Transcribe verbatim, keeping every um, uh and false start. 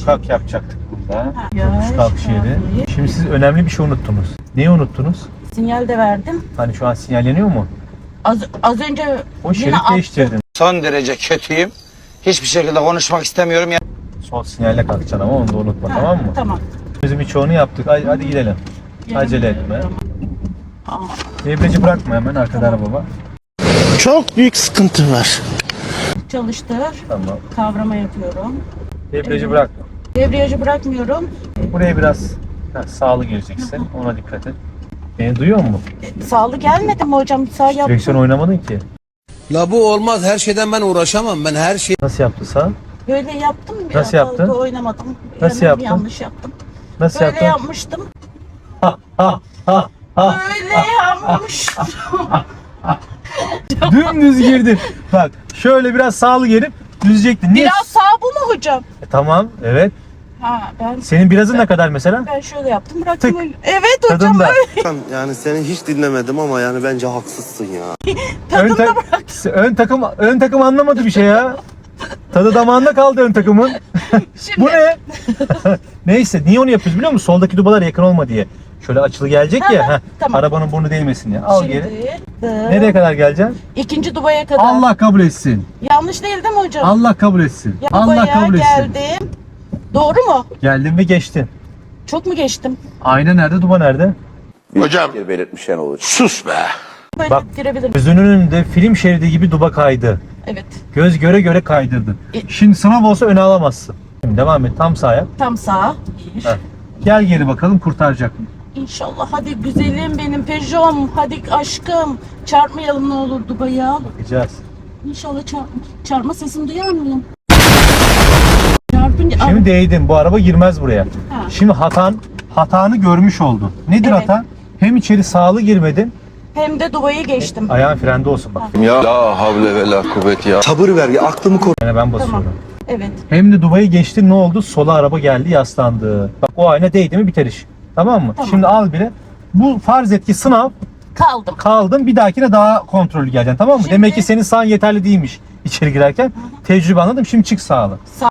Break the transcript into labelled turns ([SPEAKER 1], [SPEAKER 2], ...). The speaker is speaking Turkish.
[SPEAKER 1] yokuş kalk yapacaktık burada.
[SPEAKER 2] Ha.
[SPEAKER 1] Yokuş
[SPEAKER 2] Yavaş,
[SPEAKER 1] kalkış yeri.
[SPEAKER 2] yavaş.
[SPEAKER 1] Şimdi siz önemli bir şey unuttunuz. Neyi unuttunuz?
[SPEAKER 2] Sinyal de verdim.
[SPEAKER 1] Hani şu an sinyalleniyor mu?
[SPEAKER 2] Az, az önce
[SPEAKER 1] O
[SPEAKER 2] yine
[SPEAKER 1] şerit
[SPEAKER 2] attı.
[SPEAKER 1] değiştirdin.
[SPEAKER 3] Son derece kötüyüm. Hiçbir şekilde konuşmak istemiyorum. Ya.
[SPEAKER 1] Sol sinyalle kalkacaksın ama onu da unutma,
[SPEAKER 2] Ha,
[SPEAKER 1] tamam mı?
[SPEAKER 2] Tamam.
[SPEAKER 1] Bizim birçoğunu yaptık. Hadi, hadi gidelim. Acele etme.
[SPEAKER 2] Tamam.
[SPEAKER 1] Debriyajı bırakma, hemen arkada araba var.
[SPEAKER 4] Çok büyük sıkıntı var.
[SPEAKER 2] Çalıştır.
[SPEAKER 1] Tamam.
[SPEAKER 2] Kavrama yapıyorum.
[SPEAKER 1] Debriyajı
[SPEAKER 2] Evet.
[SPEAKER 1] bırakma.
[SPEAKER 2] Debriyajı bırakmıyorum.
[SPEAKER 1] Buraya biraz ha, sağlı gireceksin. Ona dikkat et. Beni duyuyor musun?
[SPEAKER 2] E, sağlı gelmedi mi hocam? Sağ
[SPEAKER 1] Direksiyon
[SPEAKER 2] yaptım.
[SPEAKER 1] oynamadın ki.
[SPEAKER 5] La bu olmaz. Her şeyden ben uğraşamam. Ben her şey...
[SPEAKER 1] Nasıl yaptı sağ?
[SPEAKER 2] Böyle yaptım.
[SPEAKER 1] Nasıl
[SPEAKER 2] Biraz
[SPEAKER 1] yaptın?
[SPEAKER 2] fazla oynamadım.
[SPEAKER 1] Nasıl
[SPEAKER 2] Hemen
[SPEAKER 1] yaptın?
[SPEAKER 2] Yanlış yaptım.
[SPEAKER 1] Nasıl
[SPEAKER 2] Böyle
[SPEAKER 1] yaptın?
[SPEAKER 2] yapmıştım.
[SPEAKER 1] Ha ha ha ha.
[SPEAKER 2] Böyle yapmıştım.
[SPEAKER 1] Dümdüz girdin. Bak şöyle biraz sağlı gelip düzecektin. Niye?
[SPEAKER 2] Biraz sağ bu mu hocam?
[SPEAKER 1] E, tamam, evet.
[SPEAKER 2] Ha ben
[SPEAKER 1] Senin birazın ne kadar mesela?
[SPEAKER 2] ben şöyle yaptım. Bıraktım
[SPEAKER 1] Tık.
[SPEAKER 2] öyle. Evet hocam
[SPEAKER 1] Tadında.
[SPEAKER 2] öyle.
[SPEAKER 4] Yani seni hiç dinlemedim ama yani bence haksızsın ya.
[SPEAKER 1] Ön,
[SPEAKER 2] Tadında
[SPEAKER 1] tak-
[SPEAKER 2] bırak.
[SPEAKER 1] ön takım ön takım anlamadı bir şey ya. Tadı damağında kaldı ön takımın.
[SPEAKER 2] Şimdi
[SPEAKER 1] Bu ne? Neyse, niye onu yapıyoruz biliyor musun? Soldaki dubalar yakın olma diye. Şöyle açılı gelecek ya. heh,
[SPEAKER 2] tamam.
[SPEAKER 1] Arabanın burnu değmesin diye. Al
[SPEAKER 2] Şimdi
[SPEAKER 1] geri.
[SPEAKER 2] dı-
[SPEAKER 1] Nereye kadar geleceksin?
[SPEAKER 2] İkinci dubaya kadar.
[SPEAKER 1] Allah kabul etsin.
[SPEAKER 2] Yanlış değil değil mi hocam?
[SPEAKER 1] Allah kabul etsin.
[SPEAKER 2] Ya
[SPEAKER 1] Allah
[SPEAKER 2] dubaya
[SPEAKER 1] kabul etsin.
[SPEAKER 2] geldim. Doğru mu?
[SPEAKER 1] Geldin ve geçtin.
[SPEAKER 2] Çok mu geçtim?
[SPEAKER 1] Ayna nerede? Duba nerede?
[SPEAKER 5] Hocam.
[SPEAKER 6] belirtmişen olur.
[SPEAKER 5] Sus be.
[SPEAKER 2] Böyle
[SPEAKER 1] Bak.
[SPEAKER 2] girebilirim.
[SPEAKER 1] Gözünün önünde film şeridi gibi duba kaydı.
[SPEAKER 2] Evet.
[SPEAKER 1] Göz göre göre kaydırdı.
[SPEAKER 2] E-
[SPEAKER 1] Şimdi sınav olsa öne alamazsın. Şimdi devam et. Tam sağa yap.
[SPEAKER 2] Tam sağ. Bir.
[SPEAKER 1] Heh. Gel geri bakalım, kurtaracak mı?
[SPEAKER 2] İnşallah. Hadi güzelim benim Peugeot'm. Hadi aşkım. Çarpmayalım ne olur Dubai'ye.
[SPEAKER 1] Bakacağız.
[SPEAKER 2] İnşallah çarp çarpma sesini duyar mıyım? Çarpınca...
[SPEAKER 1] Şimdi değdin. Bu araba girmez buraya.
[SPEAKER 2] Ha.
[SPEAKER 1] Şimdi hatan hatanı görmüş oldun. Nedir
[SPEAKER 2] Evet.
[SPEAKER 1] hatan? Hem içeri sağlı girmedin.
[SPEAKER 2] Hem de Dubai'yi geçtim.
[SPEAKER 1] Ayağın frende olsun bak.
[SPEAKER 6] Ya la havle ve la kuvvet ya.
[SPEAKER 4] Sabır ver ya, aklımı koru.
[SPEAKER 1] Yani ben basıyorum.
[SPEAKER 2] Tamam. Evet.
[SPEAKER 1] Hem de Dubai'yi geçtin, ne oldu? Sola araba geldi, yaslandı. Bak o ayna değdi mi biter iş. Tamam mı?
[SPEAKER 2] Tamam.
[SPEAKER 1] Şimdi al bile. Bu farz et ki sınav,
[SPEAKER 2] Kaldım.
[SPEAKER 1] kaldın, bir dahakine daha kontrollü geleceksin, tamam mı?
[SPEAKER 2] Şimdi-
[SPEAKER 1] Demek ki senin sağın yeterli değilmiş içeri girerken. Tecrübe, anladım. Şimdi çık sağlı.
[SPEAKER 2] Sağ